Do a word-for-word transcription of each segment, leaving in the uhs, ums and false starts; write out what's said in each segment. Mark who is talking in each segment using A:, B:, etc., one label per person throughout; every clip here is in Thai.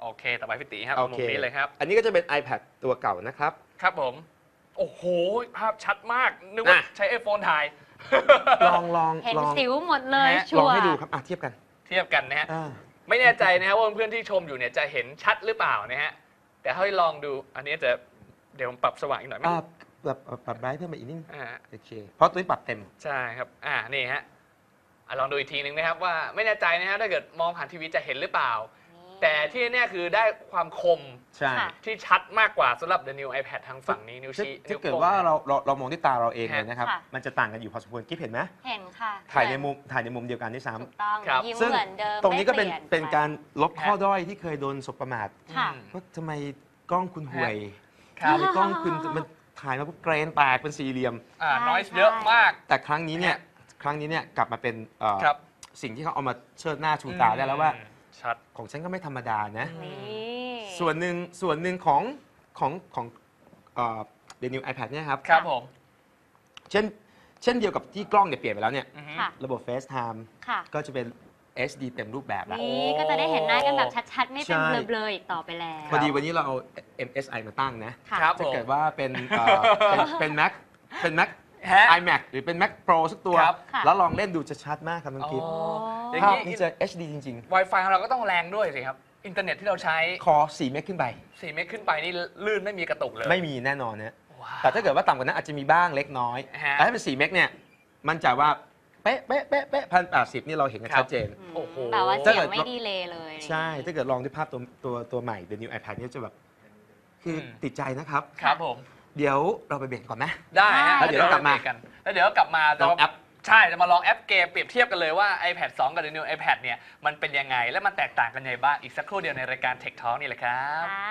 A: โอเคต่อไปพี่ตีครับ
B: โอ
A: มุ
B: เค
A: มนี้เลยครับ
B: อันนี้ก็จะเป็น iPad ตัวเก่านะครับ
A: ครับผมโอ้โหภาพชัดมากนึกว่า
B: น่ะ
A: ใช้ iPhone ถ่าย
B: ลองลอง
C: เห็น
B: ลอง
C: สิวหมดเลย
A: ฮะ
C: ชั
B: ลอง
C: วร์
B: ให้ดูครับอ่ะเทียบกัน
A: เทียบกันนะฮะ
B: อ่า
A: ไม่แน่ใจนะครับว่าเพื่อนๆที่ชมอยู่เนี่ยจะเห็นชัดหรือเปล่านะฮะแต่ให้ลองดูอันนี้จะเดี๋ยวผมปรับสว่างอีกหน่อยไหม
B: อ่าแบบปรับไบรท์เพิ่มมาอีกนิดนึง
A: อ่า
B: โอเคเพราะตัวนี้ปรับเต็ม
A: ใช่ครับอ่านี่ฮะอ่ะลองดูอีกทีหนึ่งนะครับว่าไม่แน่ใจนะฮะถ้าเกิดมองผ่านทีวีจะเห็นหรือเปล่า แต่ที่แน่ๆคือได้ความคม
B: ใช่
C: ค่ะ
A: ที่ชัดมากกว่าสำหรับ The New iPad ทางฝั่งนี้นิ้ว
B: ถ้า
A: ชี้
B: ถ้า
A: นิ้ว
B: เกิด
A: โป้ง
B: ว่าเราเราเรามองด้วยตาเราเองเลยนะครับ
C: ค่ะ
B: มันจะต่างกันอยู่พอสมควรกิ๊บเห็นไหม
C: เห็นค่ะ
B: ถ่ายในมุมถ่ายในมุมเดียวกันด้วยซ้
C: ถูกต้อง
A: ครับ
C: ยิ้ม
B: ำซึ่ง
C: เหมือนเดิม
B: ตรงนี้ก็เป็น
C: ไม่ลี่ย
B: เป็นการลบข้อ
A: ฮะ
B: ด้อยที่เคยโดนสบประมาท
C: ค่ะ
A: อืม
B: ว่าทำไมกล้องคุณห่วย
A: ครับ
B: ทำไมกล้องคุณมันถ่ายมาปุ๊บเกรนแตกเป็นสี่เหลี่ยม
A: อ่า
C: ใช่
A: น้อย
C: ใช่
A: เยอะมาก
B: แต่ครั้งนี้เนี่ยครั้งนี้เนี่ยกลับมาเป็นเอ่อ
A: ครับ
B: สิ่งที่เขาเอามาเชิดหน้าชูตาได้แล้วว่า
A: อืมชัด
B: ของฉันก็ไม่ธรรมดานะ
C: นี่
B: ส่วนหนึ่งส่วนหนึ่งของของของเอ่อ The New iPad เนี่ยครับ
A: ครับผม
B: เช่นเช่นเดียวกับที่กล้องเนี่ยเปลี่ยนไปแล้วเนี่ย
A: อือฮึ
C: ค่ะ
B: ระบบ FaceTime
C: ค่ะ
B: ก็จะเป็น เอช ดี เต็มรูปแบบแล้ว
C: นี่ก็จะได้เห็นหน้ากันแบบชัดๆ ไม่เป็น
B: ใช่
C: เบลอๆอีกต่อไปแล้ว
B: พอดีวันนี้เราเอา เอ็ม เอส ไอ มาตั้งนะ
C: ค่ะ
A: ครับผ
B: ถ้าม เกิดว่าเป็นเอ่อเป็นเป็น Mac เป็น Mac
A: ฮะ
B: iMac หรือเป็น Mac Pro สักตัว
A: ครับ
C: ค่ะ
B: แล้วลองเล่นดูจะชัดมากครับน้องคิด
A: อ๋อ
C: โอ้
A: อย่าง
B: ภาพ
A: นี้
B: นี้จะ เอช ดี จริง
A: Wi-Fi ของเราก็ต้องแรงด้วยสิครับ อินเทอร์เน็ตที่เราใช้
B: ๆ คอสี่เมกขึ้นไป
A: สี่เมกขึ้นไปนี่ลื่นไม่มีกระตุกเลย
B: ไม่มีแน่นอนนะ
A: ว้าว
B: แต่ถ้าเกิดว่าต่ำกว่านั้นอาจจะมีบ้างเล็กน้อย
A: ฮะ
B: แต่ถ้าเป็นสี่เมกเนี่ยมั่นใจว่าเป๊ะเป๊ะเป๊ะเป๊ะพันแปดสิบนี่เราเห็นกัน
A: ครับ
B: ชัดเจน
A: โอ้โห
C: แบบว่า
B: ถ้า
C: เสีย
B: เกิ
C: ง
B: ด
C: ไม่ดีเลยเลย
B: ใช่ถ้าเกิดลองด้วยภาพตัวตัวตัวใหม่ The New iPad เนี่ยจะแบบ คืออ
A: ม
B: ติดใจนะครับ
A: ครับผม
B: เดี๋ยวเราไปเบรกก่อนไหม
A: ได้ฮะ
B: แล้วเดี๋ยวเรากลับมา
A: กัน แล้วเดี๋ยวกลับมา
B: ลองแอป
A: ใช่ จะมาลองแอปเกมเปรียบเทียบกันเลยว่า iPad สอง กับ The New iPad เนี่ยมันเป็นยังไง และมันแตกต่างกันยังไงบ้าง อีกสักครู่เดียวในรายการ Tech Talk นี่แหละครับ
C: ค่ะ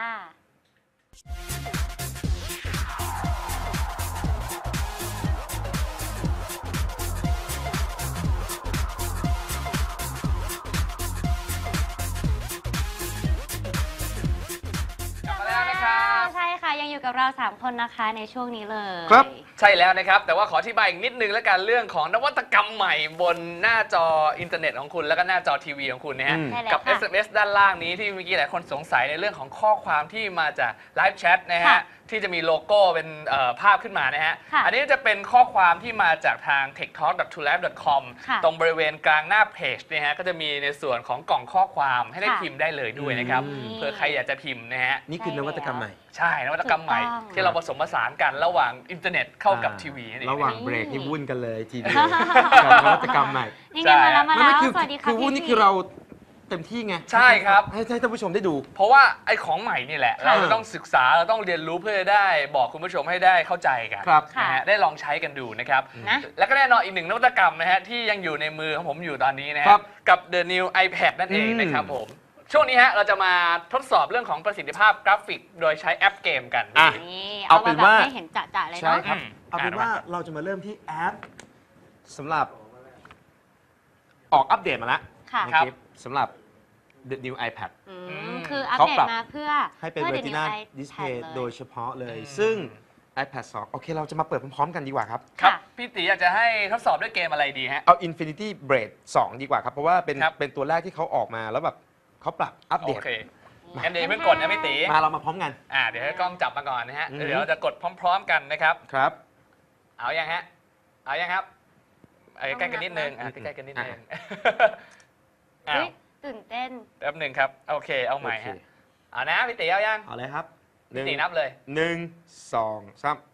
A: กลับมาแล้วนะครับ
C: ใช่ค่ะ ยังอยู่กับเรา สาม คนนะคะในช่วงนี้เลย
B: ครับ
A: ใช่แล้วนะครับ แต่ว่าขออธิบายอีกนิดนึงแล้วกันเรื่องของนวัตกรรมใหม่บนหน้าจออินเทอร์เน็ตของคุณ แล้วก็หน้าจอทีวีของคุณนะฮะ
B: อืม
C: ใช่แล้ว
A: กับ
C: ค่ะ
A: เอส เอ็ม เอส ด้านล่างนี้ที่เมื่อกี้หลายคนสงสัยในเรื่องของข้อความที่มาจากไลฟ์แชทนะฮะ
C: ค่ะ
A: ที่จะมีโลโก้เป็นเอ่อภาพขึ้นมานะฮะ
C: ค่ะ
A: อันนี้จะเป็นข้อความที่มาจากทาง เทคทอล์ก ดอท ทูแลบ ดอท คอม
C: ค่ะ
A: ตรงบริเวณกลางหน้าเพจเนี่ยฮะก็จะมีในส่วนของกล่องข้อความให้ได้
C: ค่ะ
A: พิมพ์ได้เลยด้วยนะครับ
B: อืม
A: เผื่อใครอยากจะพิมพ์นะฮะ
B: นี่คือนวัตกรรมใหม่
A: ใช่นวัตกรรมใหม่
C: ถูกต้อง
A: ที่เราผสมผสานกันระหว่างอินเทอร์เน็ตเข้ากับ
B: อ่
A: ทีวีนั่นเอง
B: ระหว่าง
A: นะ
B: เบรกนี่วุ่นกันเลยทีเดียวกับนวัตกรรมใหม่
C: นี่ไงมาแล้วมา
B: ไม่
C: แล้
B: ไม่
C: ว
B: คือ
C: สวัสดีค่ะ
B: คือวุ่น
C: พี่
B: นี่คือเราเต็มที่ไง
A: ใช่ครับ
B: ให้ให้ท่านผู้ชมได้ดู
A: เพราะว่าไอ้ของใหม่นี่แหละ
C: ค่ะ
A: เราจะต้องศึกษาเราต้องเรียนรู้เพื่อจะได้บอกคุณผู้ชมให้ได้เข้าใจกัน
B: ครับ
A: นะฮะได้ลองใช้กันดูนะครับ
C: นะ
A: แล้วก็แน่นอนอีกหนึ่งนวัตกรรมนะฮะที่ยังอยู่ในมือของผมอยู่ตอนนี้นะฮะ
B: ครับ
A: กับ The New iPad นั่นเอง
B: อืม
A: นะครับผมช่วงนี้ฮะเราจะมาทดสอบเรื่องของประสิทธิภาพกราฟิก โดยใช้แอปเกมกัน
B: อ่ะ
C: นี่
B: เอา
C: เอา
B: เป็
C: มาน แบบ
B: ว่า
C: ให้เห็นจะๆเลย
B: ใช่
C: เนาะ
B: ครับ
A: อืม
B: เอาเป็น
A: อ่ะ
B: ว่าเราจะมาเริ่มที่แอปสำหรับออกอัปเดตมาแล้ว
C: ค่ะ
B: นะ
A: ครับ
B: ครับสำหรับ The New iPad
C: อื
A: อื
C: ม
A: ม
C: คืออัป
B: เขา
C: เดต
B: ปรับ
C: มาเพื่อ
B: ให้เป็น
C: พื่อ
B: Retina
C: The New iPad
B: Display
C: เลย
B: โดยเฉพาะเลย
A: อืม
B: ซึ่ง iPad สอง โอเค เราจะมาเปิดพร้อมๆกันดีกว่าครับ
A: ครับ
C: ค่ะ
A: พี่ตีอยากจะให้ทดสอบด้วยเกมอะไรดีฮะ
B: เอา Infinity Blade สอง ดีกว่าครับ เพราะว่าเป็น
A: ครับ
B: เป็นตัวแรกที่เขาออกมาแล้วแบบเขาปรับอัป
A: โอ
B: เดต
A: เคงั้นเดี๋ยวเพิ่งกดนะพี่ตี
B: มาเรามาพร้อมกัน
A: อ่าเดี๋ยวให้กล้องจับมาก่อนนะฮะ
B: อืม
A: เดี๋ยวเราจะกดพร้อม ๆ กันนะครับ
B: ครับ
A: เอายังฮะ เอายังครับเอาใกล้ๆกันนิดนึง อ่ะใกล้ๆกันนิดนึงอ้า
C: เฮ้
A: วย
C: ตื่นเต้น
A: แป๊บหนึ่งครับ โอเค เอาใหม่ฮะ เอานะพี่ตีเอายัง
B: เอาเลยครับห
A: พี่
B: นึ่ง
A: ตีนับเลย
B: หนึ่งสองสาม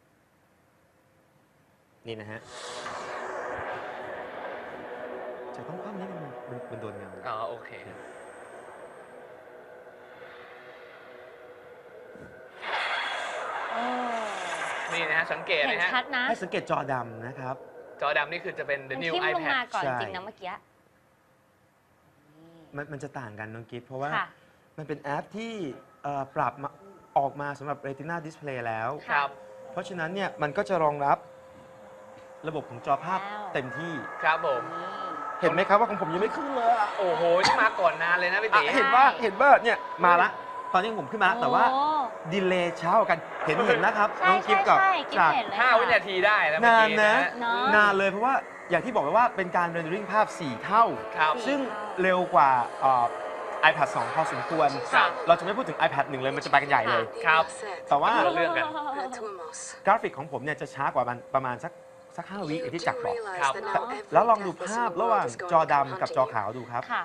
B: นี่นะฮะ จะต้องคว่ำนิดนึงมันมันมันโดนเงา
A: อ๋อ โอเค
C: โอ้
A: นี่นะฮะ สังเกต
C: เห็น
A: นะฮะ
C: ชัดนะ
B: ให้สังเกตจอดำนะครับ
A: จอดำนี่คือจะเป็น The
C: มัน
A: New
C: ทิ่มลงมา
A: iPad
C: ก่อน
B: ใช่
C: จริงนะเมื่อกี้
B: มันมันจะต่างกันน้องกิฟเพราะว่า
C: ค่ะ
B: มันเป็นแอปที่เอ่อปรับมาออกมาสำหรับ Retina Display แล้ว
A: ครับ
B: เพราะฉะนั้นเนี่ยมันก็จะรองรับระบบของจอภาพ
C: แล้ว
B: เต็มที่
A: ครับผม
C: นี่
B: เห็นไหมครับว่าของผมยังไม่ขึ้นเลยอะ
A: โอ้โห นี่มาก่อนนานเลยนะพี่
B: อ่ะ
A: ตี
B: เห็นว่าเห็นว่าเนี่ยมาละ ตอนนี้ผมขึ้นมา แต่ว่า
C: โอ้
B: ดีเลย์เช้ากว่ากันเห็นเห็นนะครับ
C: ใช่
B: น้องกิฟกับ
C: ใช่ใช่
B: จาก
C: กิ๊บเห็นเลย
A: ห้า
C: ค่ะ
A: วินาทีได้นะเมื่อน
B: าน
A: กี้
B: นะ
A: นะฮะ
C: เนอะ
B: นานเลยเพราะว่าอย่างที่บอกไปว่าเป็นการเรนเดอริงภาพ สี่ เท่า
A: ครับ
B: ซึ่งเร็วกว่าเอ่อ iPad สองพอสมควร
A: ครับ
B: เราจะไม่พูดถึง iPad หนึ่งเลยมันจะไปกันใหญ่เลย
A: ครับ
B: แต่ว่า
A: เรื่องกัน
B: กราฟิกของผมเนี่ยจะช้ากว่ามันประมาณสักสักห้าวิอย่างที่จักรบอก
A: ครับ
B: แล้วลองดูภาพระหว่างจอดำกับจอขาวดูครับ
C: ค่ะ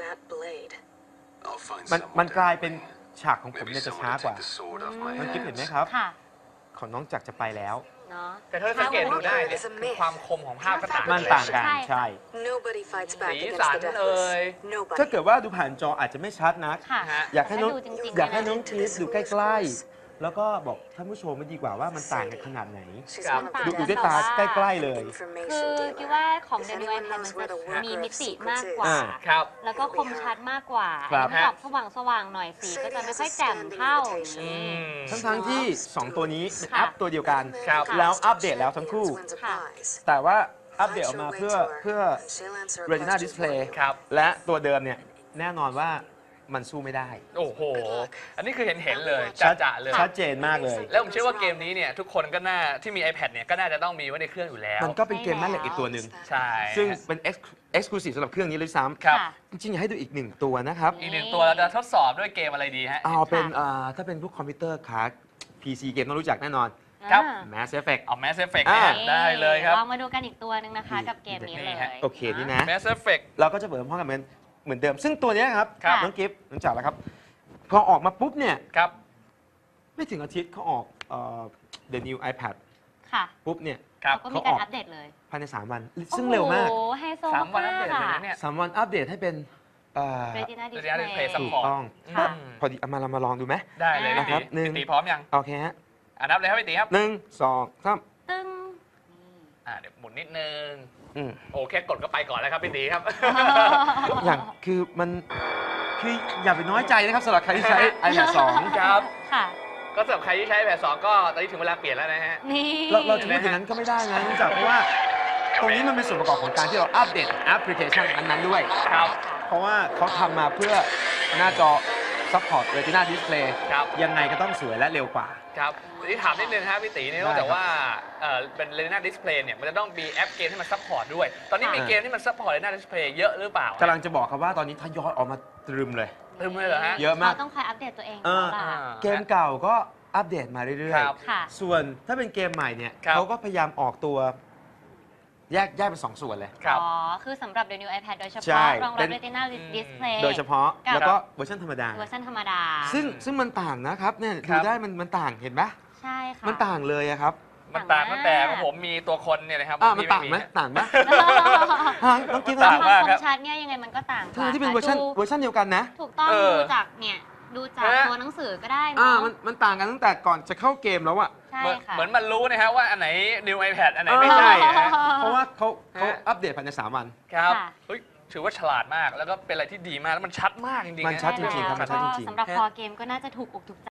B: มันมันกลายเป็นฉากของผมเนี่ยจะช้ากว่า มันคิดเห็นไหมครับ
C: ค่ะ
B: ของน้องจักรจะไปแล้ว
C: เนาะ
A: แต่ถ้าสังเกตดูได้เนี่ยคือความคมของภาพก็ต่าง
B: มันต่างกัน
C: ใช่
B: ใช่
A: สีสันเอ่ย
B: ถ้าเกิดว่าดูผ่านจออาจจะไม่ชัดนัก
C: ค่ะ
A: ฮะ
B: อยากให้น้อง
C: ดูจริงๆ
B: อยากให้น้อง
C: เ
B: คิดดูใกล้ๆ แล้วก็บอกท่านผู้ชมไม่ดีกว่าว่ามันต่างกันขนาดไหน
A: ครับ
B: ดูดูด้วยตาใกล้ๆเลย
C: คือคิดว่าของเดนิวไอแพดมันจะมีมิติมากกว่า
B: อ่า
A: ครับ
C: แล้วก็คมชัดมากกว่า
B: ครับ
C: อันนี้ออกสว่างสว่างๆหน่อยสีก็จะไม่ค่อยแจ่มเท่า
A: อืม
B: ทั้งทั้งๆที่ สอง ตัวนี้เป็น
C: ค่ะ
B: แอปตัวเดียวกัน
A: ครับ
B: แล้วอัปเดตแล้วทั้งคู่
C: ค่ะ
B: แต่ว่าอัปเดตออกมาเพื่อเพื่อ Retina Display
A: ครับ
B: และตัวเดิมเนี่ยแน่นอนว่ามันสู้ไม่ได้
A: โอ้โห อันนี้คือเห็นเห็นๆเลยจะๆเลย
B: ชัดเจนมากเลย
A: แล้วผมเชื่อว่าเกมนี้เนี่ยทุกคนก็น่าที่มี iPad เนี่ยก็น่าจะต้องมีไว้ในเครื่องอยู่แล้ว
B: มันก็เป็นเกมแม่เหล็กอีกตัวหนึ่ง
A: ใช่
B: ซึ่งเป็น Exclusive สำหรับเครื่องนี้เลยซ้
A: ครับ
C: ค่ะ
B: ำจริงๆอยากให้ดูอีกหนึ่งตัวนะครับ
A: อีกหนึ่งตัวเราจะทดสอบด้วยเกมอะไรดีฮะ
B: เอาเป็นอ่าถ้าเป็นพวกคอมพิวเตอร์คาร์ด พี ซี เกมต้องรู้จักแน่นอน
A: ครับ
C: อ่า
B: Mass Effect
A: เอา Mass Effect
B: อ่า
A: นะฮะได้เลยครับ
C: ลองมาดูกันอีกตัวหนึ่งนะคะ กับเกมนี้
A: นี่
C: เลย
A: ฮะ
B: โอเคนี่นะ
A: Mass Effect
B: เราก็จะเปิดพร้อมกันเหมือนเหมือนเดิม ซึ่งตัวเนี้ยครับ
A: ครับ
B: น้องกิฟต์น้องจ๋าแล้วครับ พอออกมาปุ๊บเนี่ย
A: ครับ
B: ไม่ถึงอาทิตย์เขาออกเอ่อ The New iPad
C: ค่ะ
B: ปุ๊บเนี่ย
A: ครับ
C: เขาก็มีการอัปเดตเลย
B: ภายใน สาม วัน ซึ่งเร็วมาก
C: โอ้โหไฮโซ
A: สามวันอัปเดตเลย
C: ค่ะ
A: นะเนี่ย
B: สาม วันอัปเดตให้เป็นเอ่อ
C: Retina
A: Retina Display
C: Display
A: ซัพ
B: ถู
A: พ
B: ก
A: อร์ต
B: ต้อง
C: ค่ะ
A: อืม
B: พอดีเอามาเรามาลองดูไหม
A: ได้เลย
C: อ่า
A: พี่
B: ครั
A: ตี
B: บหนึ่ง
A: พี่ตีพร้อมยัง
B: โอเคฮะ
A: อ่านับเลยครับพี่ตีครับ
B: หนึ่งสองสาม
C: ตึ้ง
A: อ่าเดี๋ยวหมุนนิดนึง
B: อืม
A: โอเคกดก็ไปก่อนแล้วครับพี่ตีครับ
B: อย่างคือมันคืออย่าไปน้อยใจนะครับสำหรับใครที่ใช้ iPad สอง
A: ครับ
C: ค่ะ
A: ก็สำหรับใครที่ใช้แบบสองก็ตอนนี้ถึงเวลาเปลี่ยนแล้วนะฮะ
C: นี่
B: เราเราจะพูดอย่างนั้นก็ไม่ได้นะเนื่องจากเพราะว่าตรงนี้มันเป็นส่วนประกอบของการที่เราอัปเดตแอปพลิเคชันนั้นๆด้วย
A: ครับ
B: เพราะว่าเขาทำมาเพื่อหน้าจอ Support Retina Display
A: ครับ
B: ยังไงก็ต้องสวยและเร็วกว่า
A: ครับทีนี้ถามนิดนึงครับพี่ตีเนี่ย
B: ได้ครับ
A: แต่ว่าเอ่อเป็น Retina Display เนี่ยมันจะต้องมีแอปเกมที่มันซัพพอร์ตด้วย ตอนนี้มี
B: อ่า
A: เกมที่มันซัพพอร์ต Retina Display เยอะหรือเปล่าก
B: ำลังจะบอกครับว่าตอนนี้ทยอยออกมาตรึมเลย
A: ลืมเลยเหรอฮะ
B: เยอะมาก
C: เราต้องคอยอัปเดตตัวเอง
B: เออ
C: แล้วล่ะ
B: เกมเก่าก็อัปเดตมาเรื่อย
A: ครับ
C: ค่ะ
B: ๆ ส่วนถ้าเป็นเกมใหม่เนี่ย
A: ครับ
B: เขาก็พยายามออกตัวแยกแยกเป็นสองส่วนเลย
A: ครับ
C: อ๋อ คือสำหรับ The New iPad โดยเฉ
B: ใช่
C: พาะรอง
B: เป็
C: รับ
B: น
C: Retina Display
B: โดยเฉพาะ
C: กับ
B: แล้วก็เวอร์ชันธรรมดา
C: เวอร์ชันธรรมดา
B: ซึ่งซึ่งมันต่างนะครับเนี่ย
A: ครั
B: ดู
A: บ
B: ได้มันมันต่างเห็นไหม
C: ใช่ค่ะ
B: มันต่างเลยอะครับ
A: มันต่างตั้งแต่ของผมมีตัวคนเนี่ยนะครับ
B: อ่ะมัน
A: พี่
B: ต่างไหม
A: ฮะ
B: ต่างไหมฮะน้องกิฟต์
A: ต่าง
B: นะ
A: มาก
C: ค
A: ครับ
C: มชัดเนี่ยยังไงมันก็ต่างก
B: ทั้
C: ว่าง
B: ที่เป็นเวอร์ชัน
C: ดู
B: เวอร์ชันเดียวกันนะ
C: ถูกต้อง
A: เออ
C: ดูจากเนี่ย ดูจาก
A: ฮะ
C: ตัวหนังสือก็ได้
B: อ่า
C: เนาะ
B: มันมันต่างกันตั้งแต่ก่อนจะเข้าเกมแล้วอะ
C: ใช่
A: เหมือน
C: ค่ะ
A: เหมือนมันรู้นะฮะว่าอันไหน New iPad อันไหน
B: เออ
A: ไม่ใช่อะฮะ
B: เพราะว่าเขาเขา
A: ฮะ
B: อัปเดตภายในสามวัน
A: ครับ
C: ค่ะ
A: เฮ้ยถือว่าฉลาดมากแล้วก็เป็นอะไรที่ดีมากแล้วมันชัดมากจริงๆ
B: มัน
A: นะ
B: ชัดจริงๆครับ
C: แล้ว
B: ชัด
C: ก็
B: จริงๆ
C: สำหรับคอเกมก็น่าจะถูกอกถูกใจ